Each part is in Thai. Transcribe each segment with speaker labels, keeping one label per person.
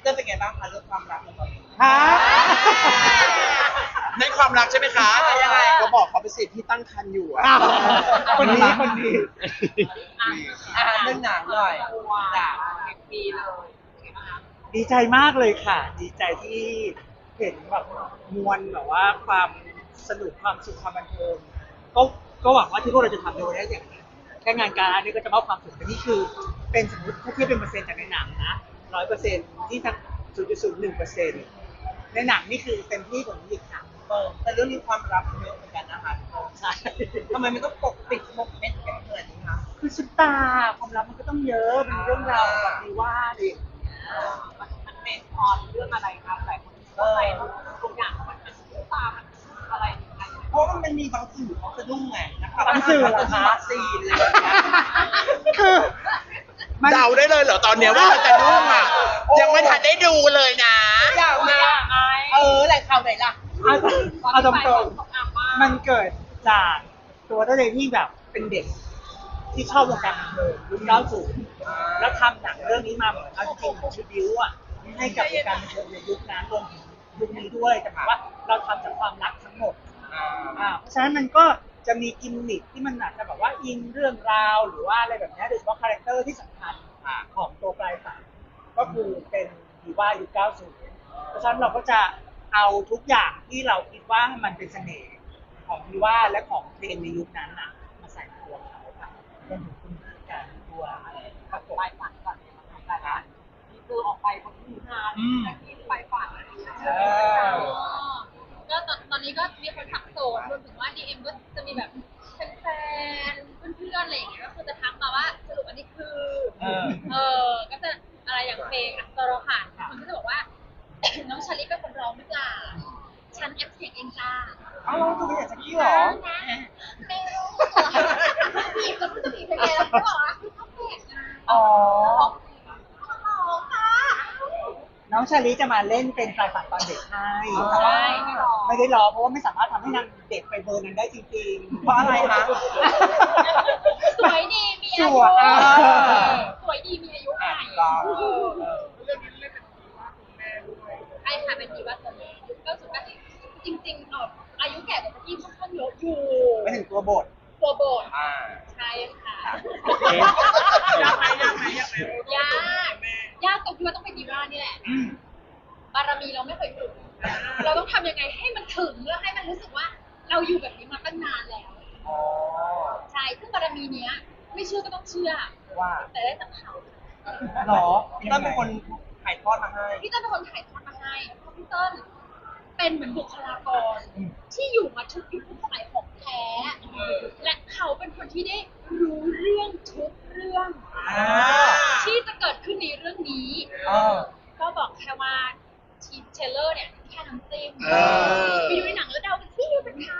Speaker 1: เรื่องเป็นไงบ้างคะเรื่องความรักของเรา
Speaker 2: ฮะ
Speaker 3: ในความรักใช่ไหมคะ
Speaker 1: ยังไง
Speaker 3: ก็บอกเขาไปสิที่ตั้งครรภ์อยู่อะ
Speaker 2: คนนี้คนนี้
Speaker 1: เรื่องหนังหน่อยจ้ะ
Speaker 2: ดีใจมากเลยค่ะ ดีใจที่เห็นแบบมวลแบบว่าความสนุกความสุขความบันเทิงก็หวังว่าที่พวกเราจะทำในวันนี้อย่างนี้แค่งานการอันนี้ก็จะมอบความสุขแต่นี่คือเป็นสมมติถ้าเทียบเป็นเปอร์เซ็นต์จากในหนังนะ100%ที่ทั้ง0.01%ในหนังนี่คือเต็มที่กว่านี้อีกค่ะ
Speaker 1: แต่เรื่องนี้ความรักเยอะเหมือนกันนะคะ
Speaker 2: ใช่
Speaker 1: ทำไมมันต้องปกปิดหมกเม็ดกันขนาดนี้คะ
Speaker 2: คือซุปตาความรักมันก็ต้องเยอะเป็นเรื่องราวแบบดีว่าดิ
Speaker 4: มันเป็นพอเรื่องอะไรครับหลายคนก็ไปทุกอย่างมันเป็นตุ๊กตามันอะไรยังไง
Speaker 1: เพราะมันมีบางสื่อเขาสะดุ้งไงนะครับ
Speaker 2: บางสื่อเหรอคะ
Speaker 1: วัคซีนอะไรอย่างเงี้ย
Speaker 2: คือมัน
Speaker 3: เดาได้เลยเหรอตอนเนี้ยว่ามันจะนุ่งอ่ะ ยังไม่ทันได้ดูเลยนะ
Speaker 1: อยากมาแหล่งข่าวไหนล่ะ
Speaker 2: เอาตรงๆมันเกิดจากตัวตัวเองที่แบบเป็นเด็กที่ชอบวงการบันเทิงยุค90แล้วทำหนังเรื่องนี้มาเหมือนเอาจริงๆเหมือนชิบิวอ่ะให้กับวงการบันเทิงในยุคนั้นรวมถึงยุคนี้ด้วยแต่หมายว่าเราทำจากความรักทั้งหมดเพราะฉะนั้นมันก็จะมีกิมมิคที่มันอาจจะแบบว่าอิงเรื่องราวหรือว่าอะไรแบบนี้โดยเฉพาะคาแรคเตอร์ที่สำคัญของตัวปลายฝันก็คือเป็นดีว่ายุค90เพราะฉะนั้นเราก็จะเอาทุกอย่างที่เราคิดว่ามันเป็นเสน่ห์ของดีว่าและของเพลงในยุคนั้นน่ะมาใส่ในตัวเขาค่ะรวมถึงคุณการตัวอะไรครับผม
Speaker 4: ไปฝันก่อนเลยมาทำรายการนี่คือออกไปคนที่งานที่ไปฝันก็ตอนนี้ก็มีคนทักโซนรวมถึงว่า DM ก็จะมีแบบแฟนๆเพื่อนๆอะไรอย่างเงี้ยก็คือจะทักมาว่าสรุปอันนี้คือก็จะอะไรอย่างเพลงอัตโรหานคนก็จะบอกว่า น้องชาลิเป็นคนร้องหรือเปล่าฉันแอปเสียงเองจ้า
Speaker 1: เอ้าคุณไม่อยากจะกี้หรอ
Speaker 4: ไม่รู้บีบก็รู้จะบีบยังไงแล้วก็บอกว่าคือเขาแปลกนะ
Speaker 1: อ๋อ
Speaker 4: ร้องค่ะ
Speaker 2: น้องชาลิจะมาเล่นเป็นปลายฝันตอนเด็กให้แต่
Speaker 4: ใช่
Speaker 2: ว่า
Speaker 4: ไม่ร้อง
Speaker 2: ไม่ได้รอเพราะว่าไม่สามารถทำให้นางเด็กไปเบอร์นั้นได้จริงๆ
Speaker 1: เพราะอะไรคะ
Speaker 4: สวยดีมีอา
Speaker 2: ส
Speaker 4: ยุ
Speaker 2: วย
Speaker 4: สวยดีมีอายุใหม่
Speaker 1: ก็
Speaker 4: ไอ้ค่ะเป็นดีว่าตัวแม่ยุคก็สุดก็จริงๆอายุแก่กว่าพี่ค่อนข้างเยอะอยู่
Speaker 1: ไม่ถึงตัวบท
Speaker 4: ตัวโบส ใช่ค่ะยากยากตรงที่ว่าต้องเป็นดีว่านี่แหละบารมีเราไม่เคยถึงเราต้องทำยังไงให้มันถึงแล้วให้มันรู้สึกว่า เราอยู่แบบนี้มาตั้งนานแล้ว
Speaker 1: อ๋อ
Speaker 4: ใช่ซึ่งบารมีเนี้ย ไม่เชื่อก็ต้องเชื่อ
Speaker 1: ว่า
Speaker 4: แต่ได้จากเขา
Speaker 1: หรอพี่ต้นเป็นคนถ่ายทอดมาให้
Speaker 4: พี่เต้นเป็นคนถ่ายทอดมาให้เพราะพี่เต้นเป็นเหมือนบุคลากรที่อยู่มาทุกยุคทุกสมัยของแท้ และเขาเป็นคนที่ได้รู้เรื่องทุกเรื่อง ที่จะเกิดขึ้นในเรื่องนี้ ก็บอกแค่ว่าทีเทเลอร์เนี่ยแค่น้ำจิ้มไปดูในหนังแล้วเดากันที่เป็นใคร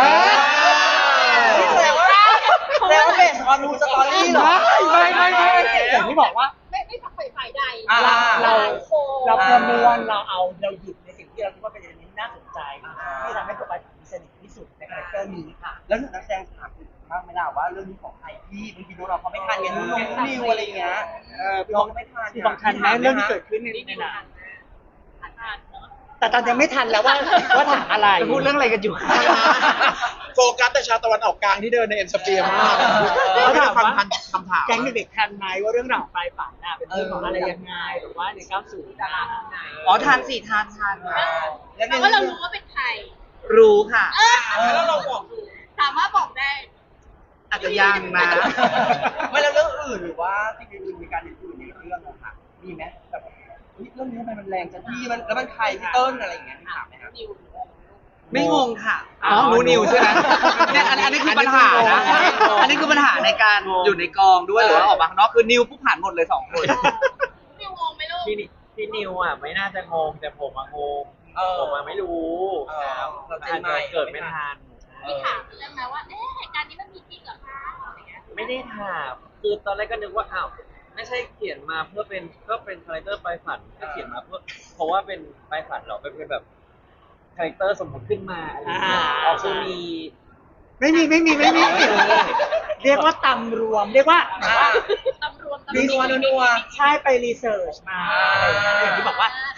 Speaker 1: นี่แสดงว่าเบสออนรูสตอรี่เหรอ
Speaker 2: ไม่อย่างที่บอกว่า
Speaker 4: ไม่ฝักใฝ่ฝ่ายใด
Speaker 2: เรา
Speaker 4: โค
Speaker 2: เราประมวลเราหยิบในสิ่งที่เราคิดว่าเป็นอันนี้น่าสนใจที่ทำให้ตัวปลายฝันมีเสน่ห์ที่สุดในคาแรคเตอร์นี้ค่ะ
Speaker 1: แล้วหนูนักแสดงถามบ้างไหมล่ะว่าเรื่องนี้ของใครพี่บางทีเราเขาไม่ทันกันนุ่นนิวอะไรอย่างเงี้ยพี่เขาไม่ทัน
Speaker 2: ที่สำคัญนะเรื่องที่เกิดขึ้นในหนัง
Speaker 4: อ่านเนาะ
Speaker 2: แต่ตอนยังไม่ทันแล้วว่าถามอะไร
Speaker 3: พูดเรื่องอะไรกันอยู่โฟกัสแต่ชาวตะวันออกกลางที่เดินในเอ็มสเปียร์มาก
Speaker 2: เขาถาม
Speaker 3: ฟัง
Speaker 2: ว่า
Speaker 3: ทันคำถาม
Speaker 2: แก๊งเด็กๆทันไหมว่าเรื่องราวของปลายฝันน่ะเป็นเรื่องของอะไรยังไงหรือว่าใน90นะ
Speaker 5: อ๋อทานสิทาน
Speaker 1: แล้ว
Speaker 4: แต่ว่าเรารู้ว่าเป็นใคร
Speaker 5: รู้ค่ะ
Speaker 1: แล้วเราบอก
Speaker 4: สามารถบอกได้
Speaker 5: อาจจะยังนะ
Speaker 1: ไม่แล้วเรื่องอื่นหรือว่าที่อื่นมีการอื่นในเรื่องอะค่ะมีไหมแบบเรื่องนี้ทำไมมันแรงจังพี่มันแล้วมันใครพี่เติ้ลอะไรอย่างเงี้ยถามไหมครับ
Speaker 5: ไม่งงค่ะหนูนิวใช่ไหมเนี่ยอันนี้คือปัญหานะ อันนี้คือปัญหาในการอยู่ในกองด้วยหรือว่าออกมาข้างนอกคือนิวผู้ผ่านหมดเลย2 คน
Speaker 4: นิวงงไหมลูก
Speaker 6: พี่นิวอ่ะไม่น่าจะงงแต่ผมงงผมไม่รู้
Speaker 1: เราใจ
Speaker 6: อาจ
Speaker 1: ใหม่
Speaker 6: จะเกิดไม่ทัน
Speaker 4: พี่ถามเรื่องนะว่าเหตุการณ์นี้มันมีจริงเหรอคะอะไรเงี้ย
Speaker 6: ไม่ได้ถามคือตอนแรกก็นึกว่าอ้าวไม่ใช่เขียนมาเพื่อเป็นก็เป็นคาแรคเตอร์ปลายฝันก็เขียนมาเพราะว่าเป็นปลายฝันเหรอเป็นแบบคาแรคเตอร์สมมติขึ้นมาอะไรอย่างเงี้ยอ๋อคือมี
Speaker 2: ไม่มีเรียกว่าตำรวมเรียกว่า
Speaker 4: ตำรวจ
Speaker 1: นัว
Speaker 2: ใช่ไปรีเสิร์ชมาอะไรอย่างเงี้ยอย่างที่บอกว่า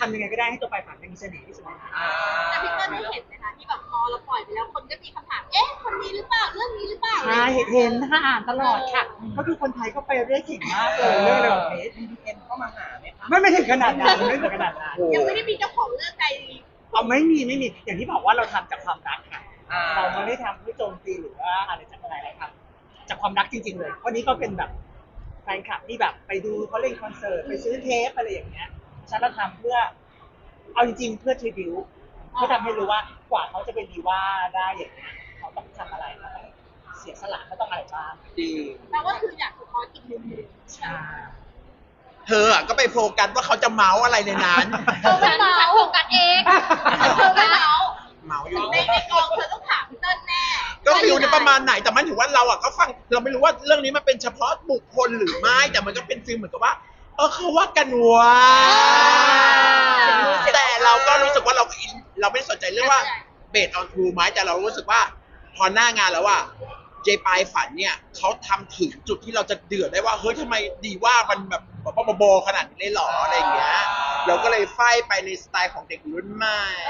Speaker 2: ำยังไงก็ได้ให้ตัวปลายฝันมันมีเสน่ห์ที่สุดในหนัง
Speaker 4: แต่พี่เติ้ลได้เห็นไหมคะที่แบบพอเราปล่อยไปแล้วคนก็มีคำถาม เอ๊ะ คนนี้หรือเปล่า เรื่องนี้หรือเปล่า
Speaker 2: ใช่เห็นค่ะอ่านตลอดค่ะ ก็คือคนไทยก็ไปเรื่อยเก่งมากเลยเรื่องอะไรแบบนี้
Speaker 1: BTS เข้ามาหาไหมคะ
Speaker 2: ไม่ถึงขนาดนั้นไม่ถึงขนาดนั้น
Speaker 4: ยังไม่ได้มีเจ้าของเรื่องใด
Speaker 2: เอาไม่มีอย่างที่บอกว่าเราทำจากความรักค่ะ
Speaker 1: อ่า
Speaker 2: เราไม่ได้ทำเพื่อโจมตีหรือว่าอะไรจากอะไรครับจากความรักจริง ๆ เลยวันนี้ก็เป็นแบบแฟนคลับที่แบบไปดูเขาเล่นคอนเสิร์ตไปซื้อเทปอะไรอย่างเงี้ยฉันเราทำเพื่อเอาจริงๆเพื่อทริบิวเพื่อทำให้รู้ว่ากว่าเขาจะเป็นดีว่าได้อย่างเงี้ยเขาต้องทำอะไรเขาต้องเสียสละเขาต้องอะไรบ้าง
Speaker 5: จริง
Speaker 4: แปลว่าคืออยากสะท้อนอีกมุมหนึ่ง
Speaker 2: ใช่
Speaker 3: เธออะก็ไปโฟกัสว่าเขาจะเมาส์อะไรในนั้น
Speaker 4: เธอไม่เมาโฟกัสเองเธอไม่เมา
Speaker 3: เมาส์อยู่
Speaker 4: ในกองเธอต้องถามพี่เติ้ลแน่
Speaker 3: ก็ฟิลในประมาณไหนแต่มันถือว่าเราอ่ะก็ฟังเราไม่รู้ว่าเรื่องนี้มันเป็นเฉพาะบุคคลหรือไม่แต่มันก็เป็นฟิลเหมือนกับว่าเขาว่ากันว่าแต่เราก็รู้สึกว่าเราอินเราไม่สนใจเรื่องว่าเบสออนทรูไหมแต่เรารู้สึกว่าพอหน้างานแล้วว่าเจปายฝันเนี่ยเขาทำถึงจุดที่เราจะเดือดได้ว่าเฮ้ยทำไมดีว่ามันแบบบอขนาดนี้เลยหรออะไรอย่างเงี้ยเราก็เลยไฟไปในสไตล์ของเด็กรุ่นใหม่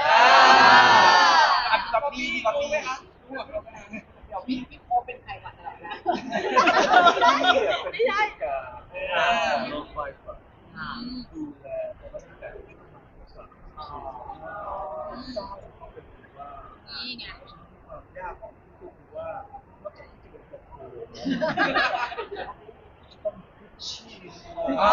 Speaker 1: ก๊อปปี้ก๊อปปี้
Speaker 4: เดี๋ยวพี่โคเป็นใครก่อนนะไม่ใช่
Speaker 6: ลงไปก่อน
Speaker 4: นี่ไง
Speaker 1: อ๋อ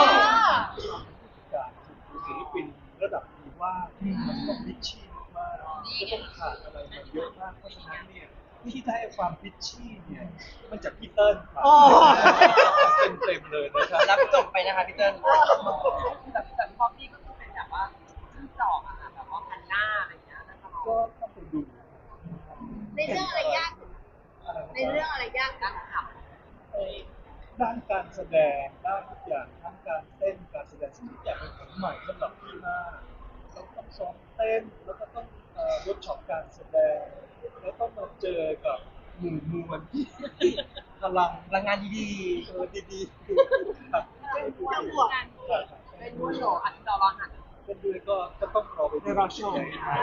Speaker 7: การคือศิลปินระดับดีว่ามันต้องพิชชี่มากจะต้องผ่านอะไรมาเยอะมากเพราะฉะนั้นเนี่ยที่ได้ความพิชชี่เนี่ยมันจากพี่เติ้ลครับเต็มเลยนะครับ
Speaker 1: รับจบไปนะคะพี่เติ้ล
Speaker 8: แต่พอพี่ก็คือเป็นแบบว่าชื่อจอกอะค่ะแบบว่าพันหน้าอะไรอย่างเงี้ยแล้วตลอด
Speaker 7: ก็ต้องไปดู
Speaker 4: ในเรื่องอะไรยากในเรื่องอะไรยากกันค่ะ
Speaker 7: ด้านการแสดงด้านทุกอย่างทั้งการเต้นการแสดงทุกอย่างเป็นของใหม่สำหรับพี่มากเราต้องซ้อมเต้นแล้วก็ต้องเวิร์กช็อปการแสดงแล้วต้องมาเจอกับหมู่มวลที่พลัง
Speaker 1: พลังงานดี
Speaker 7: ดีๆครับ
Speaker 4: เป็นผู้บวกกัน
Speaker 8: เป็นผู้โชว์อันดอลลาร์หัน
Speaker 7: เป็นด้วยก็ต้องรอไปดู
Speaker 2: รอชม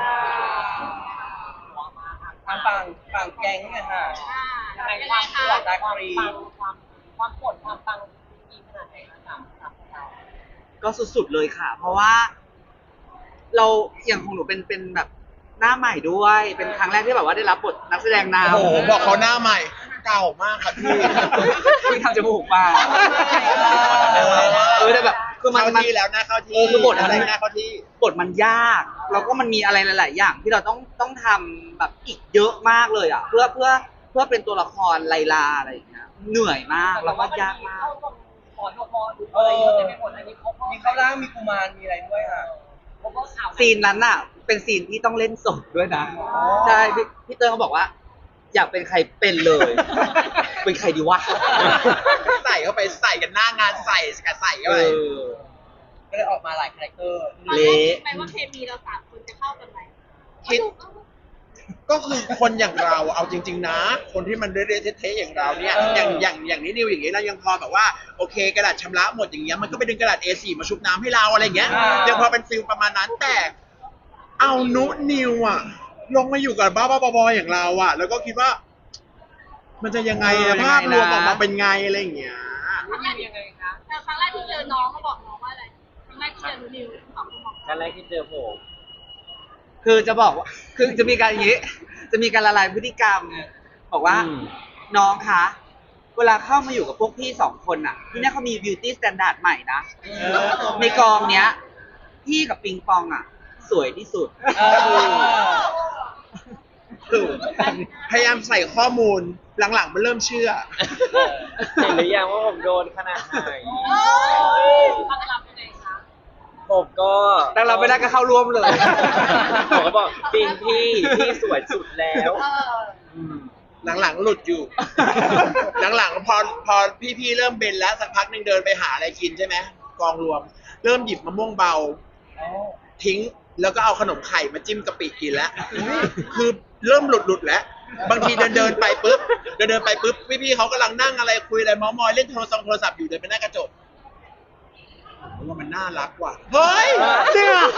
Speaker 1: ๆทางฝั่งแก๊งเนี่ยค่ะ
Speaker 8: ใน
Speaker 4: ยัง
Speaker 8: ค
Speaker 4: ไง
Speaker 8: วาม
Speaker 4: คะ
Speaker 8: ปวดความปังความปวดความปังดีขนาดไหนคะจากเรา
Speaker 5: ก็สุดๆเลยค่ะ เพราะว่า เราอย่างของหนูเป็นแบบหน้าใหม่ด้วย เป็นครั้งแรกที่แบบว่าได้รับบทนักแสดงนำ
Speaker 3: โอ้โหบอกเขาหน้าใหม่เก่ามากครับพี่
Speaker 5: ที่ทำจมูกมาแต่แบบคือมัน
Speaker 3: เข้าที่แล้วหน้าเข้าที่
Speaker 5: คือบท
Speaker 3: อะไร
Speaker 5: มัน
Speaker 3: หน้าเข้าที่
Speaker 5: บทมันยากแล้วก็มันมีอะไรหลาย ๆ อย่าง ที่เราต้องทำแบบอีกเยอะมากเลยอ่ะ เพื่อเป็นตัวละครไลลาอะไรอย่างเงี้ยเหนื่อยมากแล้วก็ยากมาก
Speaker 8: เข้าตรงขอนพหรืออะไรเยอะเต็มไปหมดอันนี้เขา
Speaker 1: มีข้าวล่างมีกุมารมีอะไรด้วยค่ะ
Speaker 8: เขาก็ข่าว
Speaker 5: ซีนนั้นอ่ะ เป็นซีนที่ต้องเล่นสดด้วยนะใช่พี่เติ้ลเขาบอกว่า อยากเป็นใครเป็นเลย เป็นใครดีวะ
Speaker 3: ใส่เข้าไปใส่กันหน้างานใส่กับใส่เข้า
Speaker 5: เอ
Speaker 3: ไป
Speaker 5: อ
Speaker 1: ก็เลยออกมาหลายคาแรคเตอร์
Speaker 4: ตอนแรกคิดไหมว่าเคมีเราสามคนจะเข้ากันไหม
Speaker 3: คิด ก็คือคนอย่างเราเอาจริง ๆ นะ คนที่มันเละๆเทะๆอย่างเราเนี่ยอย่างนี้นิวอย่างนี้เรายังพอแบบว่าโอเคกระดาษชำระหมดอย่างเงี้ยมันก็ไปดึงกระดาษ A4 มาชุบน้ำให้เราอะไรอย่างเงี้ยยังพอเป็นฟิลประมาณนั้นแต่เอานุนิวอะลงมาอยู่กับบ้าๆบอๆอย่างเราอะแล้วก็คิดว่า มันจะยังไงอะภาพรวมออกมาเป็นไงอะไรอย่างเงี้ย
Speaker 8: มันเป็นยังไงคะ
Speaker 4: แต่ครั้งแรกที่เจอน้องเขาบอกน้องว่าอะไรครั้งแรกที่เจอนิวสองคนบอก
Speaker 6: ครั้งแรกที่เจอผม
Speaker 5: คือจะบอกว่าคือจะมีการอย่างนี้ จะมีการละลายพฤติกรรม บอกว่า น้องคะ เวลาเข้ามาอยู่กับพวกพี่สองคนอ่ะ ที่เนี่ยเขามี beauty standard ใหม่นะ ในกองเนี้ย พี่กับปิงปองอ่ะ สวยที่สุด
Speaker 3: คือพยายามใส่ข้อมูลหลังๆมันเริ่มเชื่อ
Speaker 6: เห็นหรือยังว่าผมโดนขนาดไหน
Speaker 8: ตั้งรับยังไงคะ
Speaker 6: ผมก็
Speaker 5: แต่เราไม่ได้ก็เข้าร่วมเลย
Speaker 6: ผมก็บอกจริงพี่สวยสุดแล้ว
Speaker 3: หลังๆหลุดอยู่ หลังๆพอพี่ๆเริ่มเบนแล้วสักพักหนึ่งเดินไปหาอะไรกินใช่ไหมกองรวม เริ่มหยิบมะม่วงเบา ทิ้งแล้วก็เอาขนมไข่มาจิ้มกะปิกินแล้ว คือเริ่มหลุดแล้ว บางทีเดินไปปุ๊บเดินไปปุ๊บพี่ๆเขากำลังนั่งอะไรคุยอะไรเมอมอยเล่นโทรศัพท์อยู่เดินไปหน้ากระจกผมว่ามันน่ารักว่ะเฮ้ย
Speaker 2: จริงเหรอ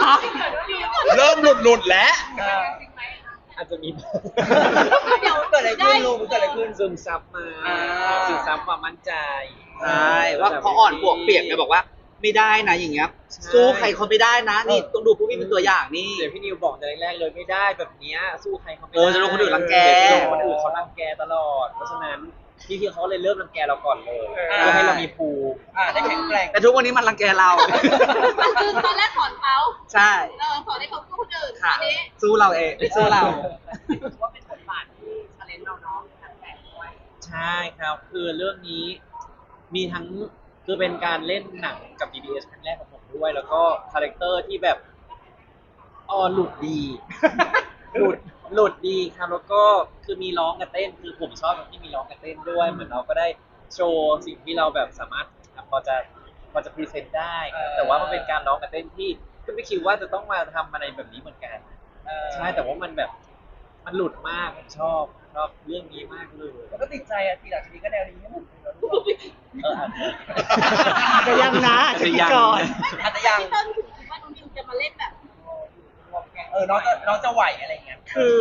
Speaker 3: เริ่มหลุดแล้ว
Speaker 6: อาจจะมี
Speaker 1: เดี๋ยวเกิดอะไรขึ้นลุงเกิดอะไรขึ้น
Speaker 6: ซึมซับมา
Speaker 1: อ่า
Speaker 6: ซึมซับความมั่นใจ
Speaker 5: ใช่ว่าเขาอ่อนปวกเปียกไงบอกว่าไม่ได้นะอย่างเงี้ย
Speaker 6: ใช่
Speaker 5: สู้ใครเขาไม่ได้นะนี่ต้องดูพวกพี่เป็นตัวอย่างนี่
Speaker 6: เดี๋ยวพี่นิวบอกแต่แรกๆเลยไม่ได้แบบเนี้ยสู้ใครเขาไม่
Speaker 5: เอ
Speaker 6: ได้
Speaker 5: อจะโดนคนอื่นรังแก
Speaker 6: เดี๋ยวจะโดนคนอื่นเขารังแกตลอด เพราะฉะนั้นพี่ๆเขาเลยเริ่มรังแกเราก่อนเลยเพื่อให้เรามีภูมิ
Speaker 1: ได้แข็งแกร่ง
Speaker 5: แต่ทุกวันนี้มันรังแกเรา
Speaker 4: คือตอนแรกสอนเขา
Speaker 5: ใช่
Speaker 4: สอนให้เขาสู้คนอื่น
Speaker 5: ค่ะ
Speaker 4: อันนี้
Speaker 5: สู้เราเองสู้เรา
Speaker 8: ถือว่าเป็นบทบาทที่ชาเลนจ์เราเนาะแต่ด้วย
Speaker 6: ใช่ครับ คือเรื่องนี้มีทั้งคือเป็นการเล่นหนังกับ DBS ครั้งแรกของผมด้วย แล้วก็คาแรคเตอร์ที่แบบหลุดดี หลุดดีครับแล้วก็คือมีร้องกับเต้น คือผมชอบตรงที่มีร้องกับเต้นด้วย เหมือนเราก็ได้โชว์สิ่งที่เราแบบสามารถพอจะพรีเซนต์ได้ครับแต่ว่ามันเป็นการร้องกับเต้นที่ก็ไม่คิดว่าจะต้องมาทำอะไรแบบนี้เหมือนกัน ใช่แต่ว่ามันแบบมันหลุดมากผมชอบเรื่องนี้มากเลย
Speaker 1: แล้วก็ติดใจทีหลังทีนี้ก็แนวนี้ให้หมดเลย
Speaker 6: อาจจะ
Speaker 2: อาจจะยังนะอาจจะคิดก่อน
Speaker 1: อาจจะยัง
Speaker 4: พี่เติ้ลถึงคิดว่าน้องนิวจะมาเล่นแบบ
Speaker 1: น้องจะไหวอะไรเงี้ย
Speaker 2: คือ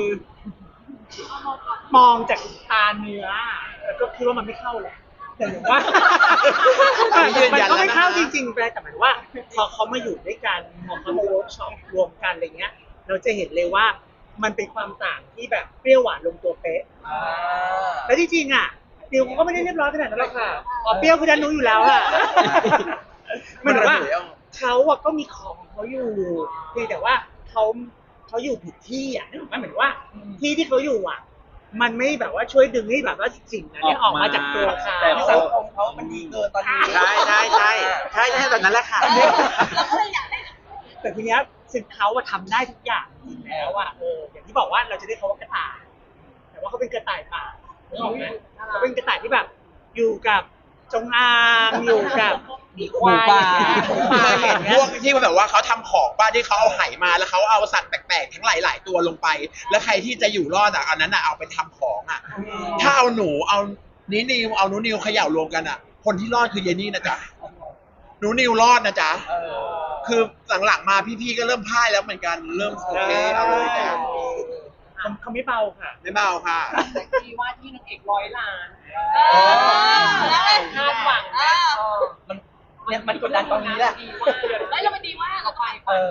Speaker 2: มองจากตาเนื้อแล้วก็คิดว่ามันไม่เข้าแหละแต่อย่างว่า มันก็ไม่เข้าจริงๆแต่หมายว่าพอเขามาอยู่ด้วยกันพอเขามาเวิร์กช็อปรวมกันอะไรเงี้ย เราจะเห็นเลยว่ามันเป็นความต่างที่แบบเปรี้ยวหวานลงตัวเป๊ะแล้วจริงๆอ่ะดิวเขาก็ไม่ได้เรียบร้อยขนาดนั้นหรอกค่ะเปรี้ยวคือดันรู้อยู่แล้วอ่ะมันแบบว่าเขาอะก็มีของเขาอยู่เพียงแต่ว่าเขาอยู่ผิดที่อ่ะนึกออกไหมเหมือนว่าที่เขาอยู่อ่ะ มันไม่แบบว่าช่วยดึงให้แบบว่าสิ่งนั้นเนี่ยออกมาจากตัวเขา
Speaker 6: แต่
Speaker 1: สังคมเขามันดีเกินตอนนี้
Speaker 5: ใช่แบบนั้นแหละค่ะ
Speaker 4: เราก็เลยอยากได้
Speaker 2: แต่ทีเนี้ยซึ่งเขาอะทำได้ทุกอย่างจริงแล้วอะอย่างที่บอกว่าเราจะได้เขาว่ากระต่าย แต่ว่าเขาเป็นกระต่ายป่านึกออกไหมเขาเป็นกระต่ายที่แบบ อยู่กับจงอางอยู่กับหมีควายอย่างเงี้ยหมูป่า
Speaker 3: เคย
Speaker 2: อ
Speaker 3: เห็น
Speaker 2: ย่าง
Speaker 3: พ
Speaker 2: เงี้
Speaker 3: วย กที่แบบว่าเขาทำของป้าที่เขาเอาไหมาแล้วเขาเอาสัตว์แปลกๆทั้งหลายๆตัวลงไป แล้วใครที่จะอยู่รอดอ่ะอันนั้นอ่ะเอาไปทำของอ่ะ ถ้าเอาหนูเอานิวเอาหนูนิวเขย่ารวมกันอ่ะ คนที่รอดคือเยนี่นะจ๊ะหนูนิวรอดนะจ๊ะคือหลังๆมาพี่ๆก็เริ่มพ่ายแล้วเหมือนกันเริ่มโอเคเอาเลยจ้ะ
Speaker 2: เขาไม่เบาค่ะ
Speaker 3: ไม่เบาค่ะ
Speaker 8: แต่ที่ว่าที่นางเอก100 ล้าน
Speaker 4: แล้วไง
Speaker 8: คาดหวังนะ
Speaker 1: มันกดดันตรงนี้แหละ
Speaker 8: ดีว่า
Speaker 4: แล้วเรามันดีว่าเราไป
Speaker 1: เออ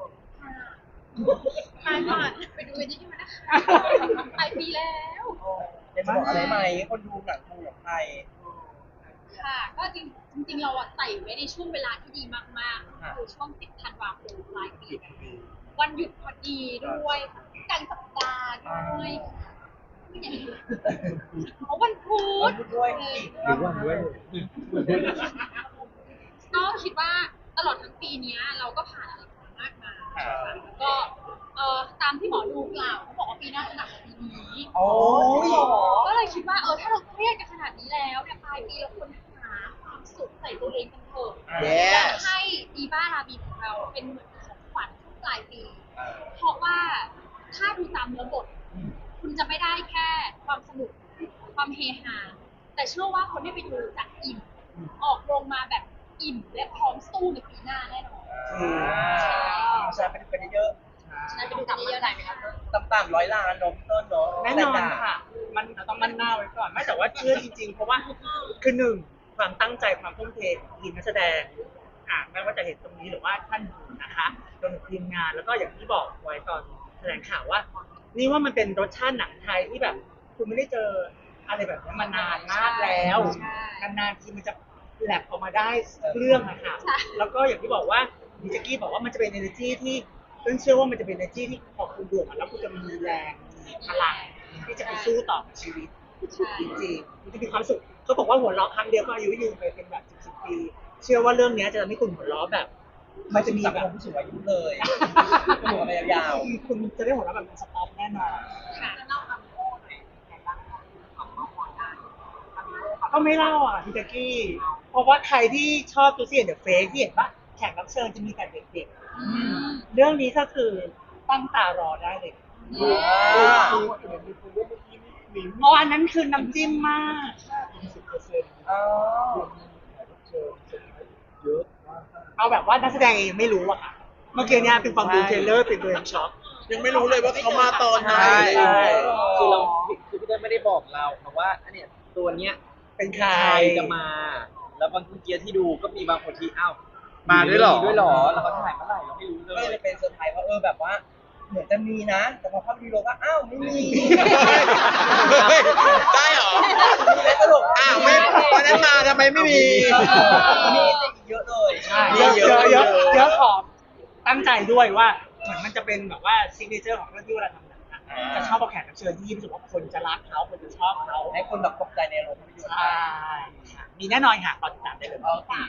Speaker 4: ไปก่อนไปดูนี่ที่มันนะคะไปปีแล้ว
Speaker 1: อยากจะบอกอะไรไหมคนดูหนังไทย
Speaker 4: ค่ะ ก็จริงเราอะใส่ไว้ในช่วงเวลาที่ดีมากๆคือช่วง10 ธันวาคมปลายปีวันหยุดพอดีด้วยกลางสัปดาห์ด้วยเพราะวันพุธ
Speaker 1: ด้วย
Speaker 4: ก็คิดว่าตลอดทั้งปีนี้เราก็ผ่านอะไรมามากมายแล้วก็ตามที่หมอดูกล่าวเขาบอกว่าปีหน้าจะหนักกว่าปีนี้
Speaker 1: โอ้ย
Speaker 4: ก็เลยคิดว่าถ้าเราเครียดกันขนาดนี้แล้วเนี่ยปลายปีเราควรหาความสุขใส่ตัวเองกันเถอะ
Speaker 3: Yes
Speaker 4: อยากให้ดีบ้าราบีของเราเป็นเหมือนของขวัญช่วงปลายปี เพราะว่าถ้าดูตามเนื้อบท คุณจะไม่ได้แค่ความสนุกความเฮฮาแต่เชื่อว่าคนที่ไปดูจะอิ่มออกโรงมาแบบอิ่มและพร้อมสู้ในปีหน้าแน่นอน
Speaker 1: ใช่เป็นเยอะ
Speaker 4: ฉะนั้นไปดูกันเยอะๆหน่อยไหมคะ
Speaker 1: ต่ำๆ100 ล้านเนาะพี่ต้นเนาะ
Speaker 2: แน่นอนค่ะ มันต้องมั่นหน้าไว้ก่อน ไม่แต่ว่าเชื่อจริงๆ เพราะว่าคือหนึ่งความตั้งใจความทุ่มเทของทีมนักแสดงไม่ว่าจะเห็นตรงนี้หรือว่าท่านอื่นนะคะรวมถึงทีมงานแล้วก็อย่างที่บอกไว้ตอนแถลงข่าวว่า นี่ว่ามันเป็นรสชาติหนังไทยที่แบบ คุณไม่ได้เจออะไรแบบนี้มานานมากแล้วนานๆทีมันจะแลบออกมาได้เรื่องอะค่ะแล้วก็อย่างที่บอกว่าดิจิกี้บอกว่ามันจะเป็น energy ที่ต้นเชื่อว่ามันจะเป็น energy ที่พอคุณดูมันแล้วคุณจะมีแรงมีพลังที่จะไปสู้ต่อกับชีวิตจริงๆมันจะมีความสุขเขาบอกว่าหัวเราะครั้งเดียวก็อายุยืนไปเป็นแบบ10 ปี เชื่อว่าเรื่องนี้จะทำให้คุณหัวเราะแบบ มันจะมี
Speaker 1: สัง
Speaker 2: แบ
Speaker 1: ค
Speaker 2: บ
Speaker 1: มผู้สูงอายุเลยหัวไปยาว
Speaker 2: คุณจะได้หัวเราะแบบสต็อปแน่นอน
Speaker 4: ค่ะ
Speaker 8: เล่าคำโค้ดหน่อยในบ้างของน้องมอได้คำโค้ด
Speaker 2: ก็ไม่เล่าอ่ะพี่แจ๊กกี้ เพราะว่าใครที่ชอบตัวเสียเดอะเฟกที่เห็นว่าแขกรับเชิญจะมีแต่เด็กๆ เรื่องนี้ก็คือตั้งตารอได้เลย อ๋ออันนั้นคือน้ำจิ้มมาก
Speaker 1: ๆอ๋อ
Speaker 2: เอาแบบว่านักแสดงเองไม่รู้อะค่ะเมื่อกี้เนี่ยเป็นฟังดูเทรลเลอร์เป็นตัวช็อก
Speaker 3: ยังไม่รู้เลยว่าเขามาตอนไหน
Speaker 5: ใช่
Speaker 3: อะไรอย่างเงี้ย
Speaker 6: คือเราคือพี่เต้ยไม่ได้บอกเราค่ะว่าอันเนี้ยตัวเนี้ย
Speaker 2: เป็นใคร
Speaker 6: ใครจะมา แล้วบางทีที่ดูก็มีบางคนที่อ้าว
Speaker 5: มาด้วยเหรอ
Speaker 6: มีด้วยเหรอแล้วเขาถ่ายเมื่อไหร่เราไม่รู้เล
Speaker 1: ก็
Speaker 6: ย
Speaker 1: เลยเป็นเซอร์ไพรส์ว่าแบบว่าเหมือนจะมีนะ แต่พอเข้าไปดูโลก็อ้าวไม่มี
Speaker 3: ได้เหรอ
Speaker 1: มีแล้วตลก
Speaker 3: อ้าวไม่วันนั้นมาทำไมไม่มี
Speaker 1: มีแต่อีกเยอะเลย
Speaker 2: ใช่เยอะเยอะเยอะเยอะของตั้งใจด้วยว่าเหมือนมันจะเป็นแบบว่าซิกเนเจอร์ของเรื่องที่เวลาทำหนังอะจะชอบเอาแขกรับเชิญที่รู้สึกว่าคนจะรักเขาคนจะชอบเขา
Speaker 1: ให้คนแบบตกใจในโรงภาพยนตร์
Speaker 2: ใช่ค่ะมีแน่นอนค่ะตอนติดตามได้เลย
Speaker 1: โอเค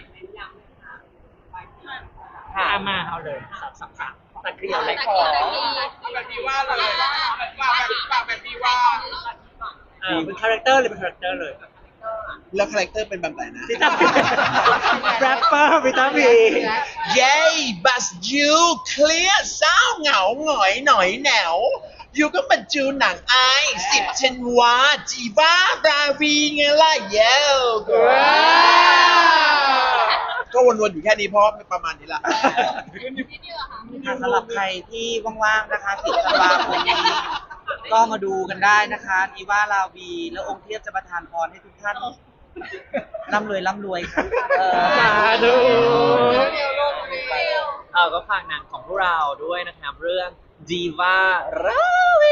Speaker 2: มาเอาเลยสามตะเกียบเลย
Speaker 3: แบบนี้ว่าเลยแบบนี้ว่า
Speaker 2: เป็นคาแรคเตอร์เลยเป็นคาแรคเตอร์เลย
Speaker 3: แล้วคาแรคเตอร์เป็นแบบไหนนะ
Speaker 2: พิตาพีแรปเปอร์พิตาพี
Speaker 3: เย้บัสยูเคลียร์เศร้าเหงาหงอยหน่อยแหนวยูก็มาจูหนังไอ10 ธันวาจีบ้าราวีไงล่ะเย้ก็วนๆอยู่แค่นี้เพราะประมาณนี้แหละ
Speaker 5: สำหรับใครที่ว่างๆนะคะ10 ธันวาคมนี้ก็มาดูกันได้นะคะดีว่าลาวีแล้วองค์เทพจะประทานพรให้ทุกท่านร่ำรวยร่ำรวยค่ะ
Speaker 2: สาธุ
Speaker 6: ก็ฝากหนังของพวกเราด้วยนะครับ เรื่อง Diva Ravi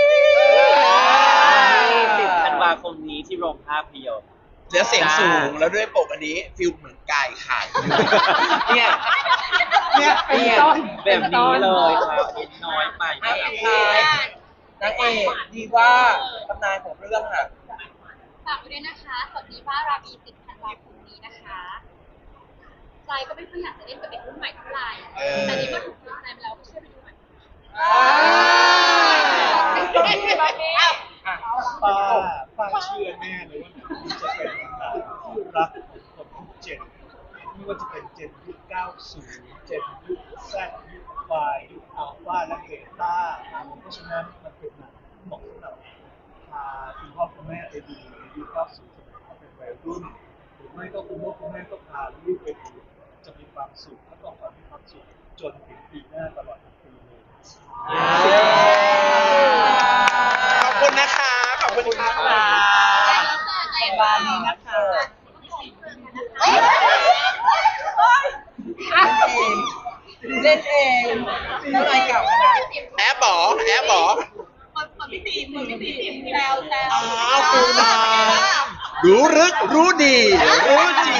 Speaker 6: 10 ธันวาคมนี้ที่โรงภาพยนตร์
Speaker 3: แล้วเสียงสูงแล้วด้วยปกอันนี้ฟิลเหมือนกายไข่
Speaker 6: เนี่ย
Speaker 2: เนี่ยเป็นต้น
Speaker 6: แบบนี้เลยครับน้อยไป
Speaker 1: อ่ะสุดท้ายนางเอกดีว่าตำนานของเรื่องค่ะ
Speaker 4: ฝากไว้ด้วยนะคะสวัสดีว่าราบี10 ธันวาคมนี้นะคะใจก็ไม่ค่อยอยากจะเล่นกับเด็กรุ่นใหม่เท่าไหร่แต่นี่ก็ถูกใจมาแล้วก็ช่วยไปดูหน่อย
Speaker 7: ป้าเชื่อแน่เลยว่าหนังนี้จะเป็นหนังที่รักคนทุกเจนไม่ว่าจะเป็นเจนยุค 90 เจนยุค Z ยุค Y ยุคอัลฟาและเบต้าเพราะฉะนั้นมันเป็นหนังที่เหมาะสำหรับพาคุณพ่อคุณแม่ไปดูในยุค 90 สมัยเขาเป็นวัยรุ่นหรือไม่ก็คุณพ่อคุณแม่ก็พาลูกไปดูจะมีความสุขและต้องมีความสุขจนถึงปีหน้าตลอดทั้งปีเลย
Speaker 3: ขอบคุณนะคะ ขอบคุณค่ะ
Speaker 2: บาลีนะคะ
Speaker 1: เล่นเองเล่นเองอะไรเก่านะ
Speaker 3: แอบบอกแอบบอก
Speaker 8: พี่ตีแซว
Speaker 3: อ้าวคุณมารู้ลึกรู้ดี รู้จริง